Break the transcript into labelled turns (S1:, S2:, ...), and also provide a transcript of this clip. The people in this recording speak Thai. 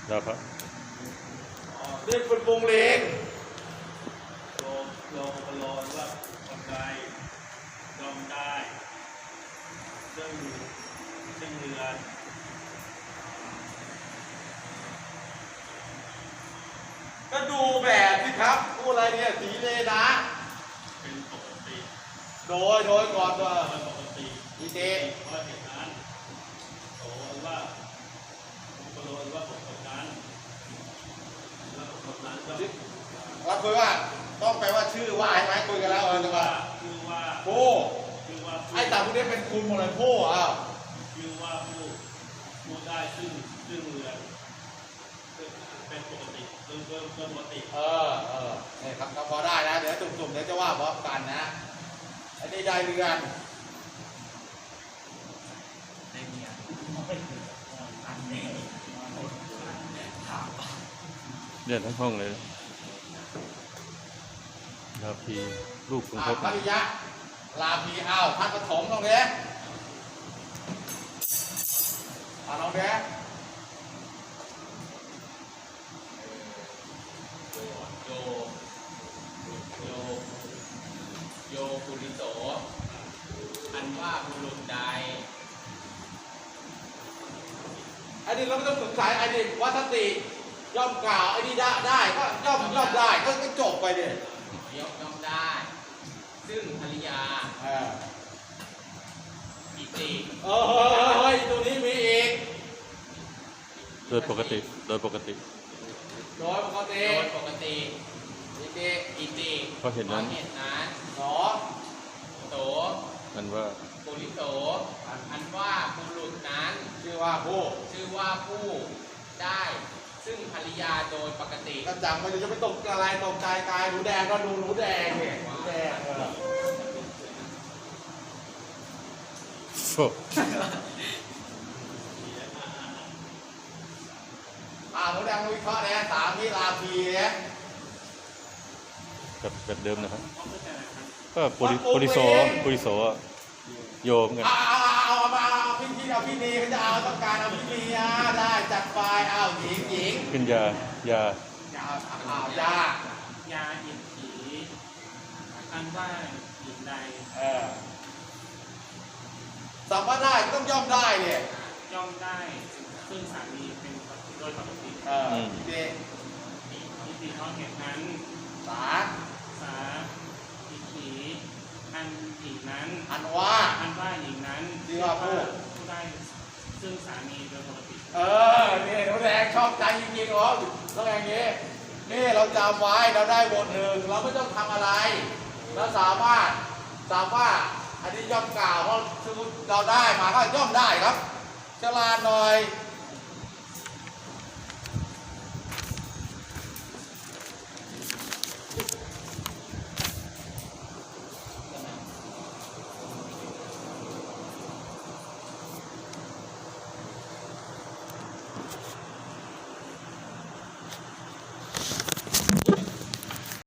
S1: แล้วครับ
S2: เรียกเป็นวงเลง
S3: โลโลว่าคนใดยอมได้ซึ่งเรือน
S2: ก็ดูแบบสิครับพูดอะไรเนี่ยสีเลนะ
S3: เป็นปกติ
S2: โดยก่อนว่า
S3: เป็นปกติ
S2: อีเจ
S3: เพราะเหตุนั้นโตว่าโลว่าปกตินั้นแล้วปกตินั้นก็
S2: เราคุยว่าต้องแปลว่าชื่อว่าใช่ไหมคุยกันแล้วจะว่า
S3: คือว่า
S2: ผู้
S3: คือว่า
S2: ไอ้ตาพวกนี้เป็นคุณหมดเลยผู้อ้าว
S3: คือว่าผู้ได้ซึ่งเรือนเป็นปกติคือปกติ
S2: นี่ครับก็พอได้นะเดี๋ยวจุ่มๆเดี๋ยวจะว่าพร้อมกันนะไอ้นี่ได้เรือน
S1: เรียนทั้งห้องเลยลาพีลูกของพบ
S2: ภริยะลาพีอ้าวท่านปฐมตรงนี้ลองเนี้ย
S4: โยปุริโสอันว่าบุรุษใด
S2: ไอ้นี่เราไม่ต้องสงสัยไอ้นี่วัตติย่อมกล่าวไอ้นี่ได้ก็ย่อมได้ก็จบไปเนี่ย
S4: ย่อมได้ ซึ่งภริยาอิติ
S2: เฮ้ยตัวนี้มีอีก
S1: โดยปกติ
S2: โดยปกติ
S4: โดยปกติ
S2: อิติ
S4: อิติ
S1: เพราะเห็นนั้น
S2: สอ
S4: โต
S1: มันว่า
S4: ปุริโสอันว่าบุรุษนั้น
S2: ชื่อว่าผู้
S4: ชื่อว่าผู้ได้ ซึ่งภริยาโดยปกติ
S2: ก็จำไปจะไม่ตกอะไรตกใจกายหนูแดงก็ดูหนูแดงเนี่ยหนูแดง
S1: โอ้
S2: หนูแดงวิเคราะห์นะสามนี่ลาพีเนี่ย
S1: แบบเดิมนะครับ
S3: เขาเข้าใจไหมครับ
S1: ก็ปุริโสโยมกัน
S2: เอาพี่นีเขาจะเอาต้องการเอาพี่นีได้จัดไปเอาหญิง
S1: ขึ้นยา
S2: ยา
S3: ยาอินถีอันว่าหญิงใด
S2: สัมภาได้ต้องย่อมได้เนี่ย
S3: ย่อมได้ซึ่งสามีเป็นโดยปกติ
S2: เด็ก
S3: อิติเพราะเหตุนั้น
S2: สา
S3: สาอิถีอันหญิงนั้น
S2: อันว่า
S3: อันว่าหญิงนั้น
S2: ชื่อว่าผู้
S3: ผู้ได้ซึ่งสามีโดยปกติ
S2: นี่หนูแดงชอบใจจริงๆเหรอต้องอย่างนี้นี่เราจำไว้เราได้บทหนึ่งเราไม่ต้องทำอะไรเราสามารถอันนี้ย่อมกล่าวเพราะเราได้มาก็ย่อมได้ครับฉลาดหน่อย